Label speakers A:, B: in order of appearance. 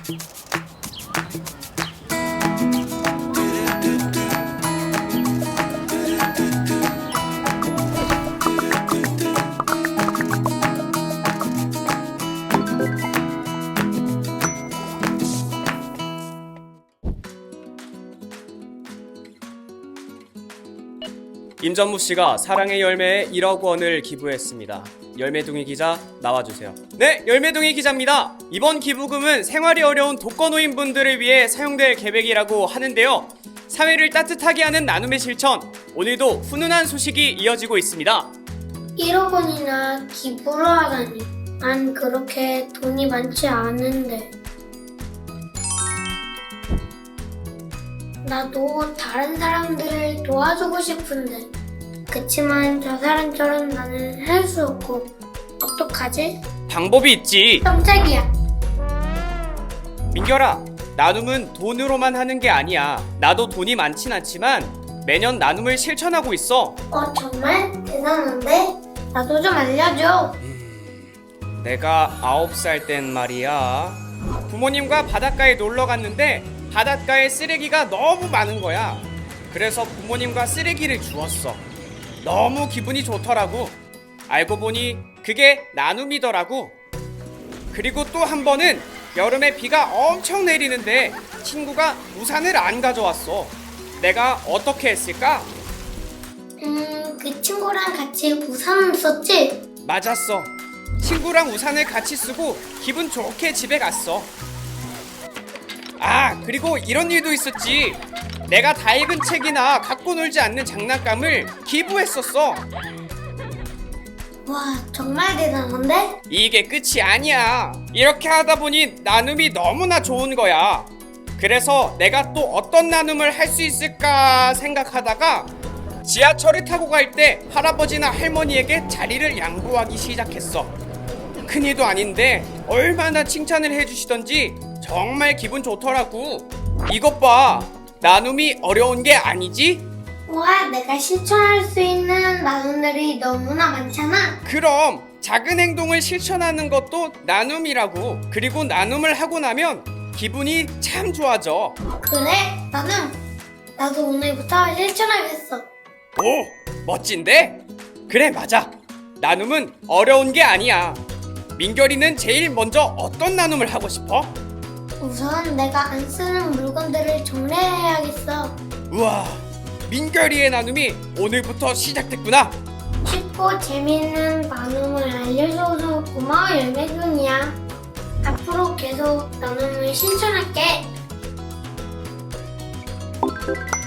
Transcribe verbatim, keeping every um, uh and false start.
A: 임전무 씨가 사랑의 열매에 일억 원을 기부했습니다. 열매둥이 기자 나와주세요. 네, 열매둥이 기자입니다. 이번 기부금은 생활이 어려운 독거노인분들을 위해 사용될 계획이라고 하는데요. 사회를 따뜻하게 하는 나눔의 실천, 오늘도 훈훈한 소식이 이어지고 있습니다.
B: 일억 원이나 기부를 하다니. 난 그렇게 돈이 많지 않은데. 나도 다른 사람들을 도와주고 싶은데. 그치만 저 사람처럼 나는 할 수 없고. 어떡하지?
A: 방법이 있지.
B: 깜짝이야.
A: 민결아, 나눔은 돈으로만 하는 게 아니야. 나도 돈이 많진 않지만 매년 나눔을 실천하고 있어.
B: 어, 정말? 대단한데? 나도 좀 알려줘.
A: 내가 아홉 살 땐 말이야, 부모님과 바닷가에 놀러 갔는데 바닷가에 쓰레기가 너무 많은 거야. 그래서 부모님과 쓰레기를 주웠어. 너무 기분이 좋더라고. 알고 보니 그게 나눔이더라고. 그리고 또 한 번은 여름에 비가 엄청 내리는데 친구가 우산을 안 가져왔어. 내가 어떻게 했을까?
B: 음, 그 친구랑 같이 우산을 썼지?
A: 맞았어. 친구랑 우산을 같이 쓰고 기분 좋게 집에 갔어. 아, 그리고 이런 일도 있었지. 내가 다 읽은 책이나 갖고 놀지 않는 장난감을 기부했었어.
B: 와, 정말 대단한데?
A: 이게 끝이 아니야. 이렇게 하다 보니 나눔이 너무나 좋은 거야. 그래서 내가 또 어떤 나눔을 할 수 있을까 생각하다가 지하철을 타고 갈 때 할아버지나 할머니에게 자리를 양보하기 시작했어. 큰일도 아닌데 얼마나 칭찬을 해주시던지 정말 기분 좋더라고. 이것 봐, 나눔이 어려운 게 아니지?
B: 와, 내가 실천할 수 있는 나눔들이 너무나 많잖아.
A: 그럼 작은 행동을 실천하는 것도 나눔이라고. 그리고 나눔을 하고 나면 기분이 참 좋아져.
B: 그래? 나는 나도 오늘부터 실천하겠어.
A: 오, 멋진데? 그래, 맞아. 나눔은 어려운 게 아니야. 민결이는 제일 먼저 어떤 나눔을 하고 싶어?
B: 우선 내가 안 쓰는 물건들을 정리해야겠어.
A: 우와, 민결이의 나눔이 오늘부터 시작됐구나.
B: 쉽고 재미있는 나눔을 알려줘서 고마워, 열매둥이야. 앞으로 계속 나눔을 실천할게.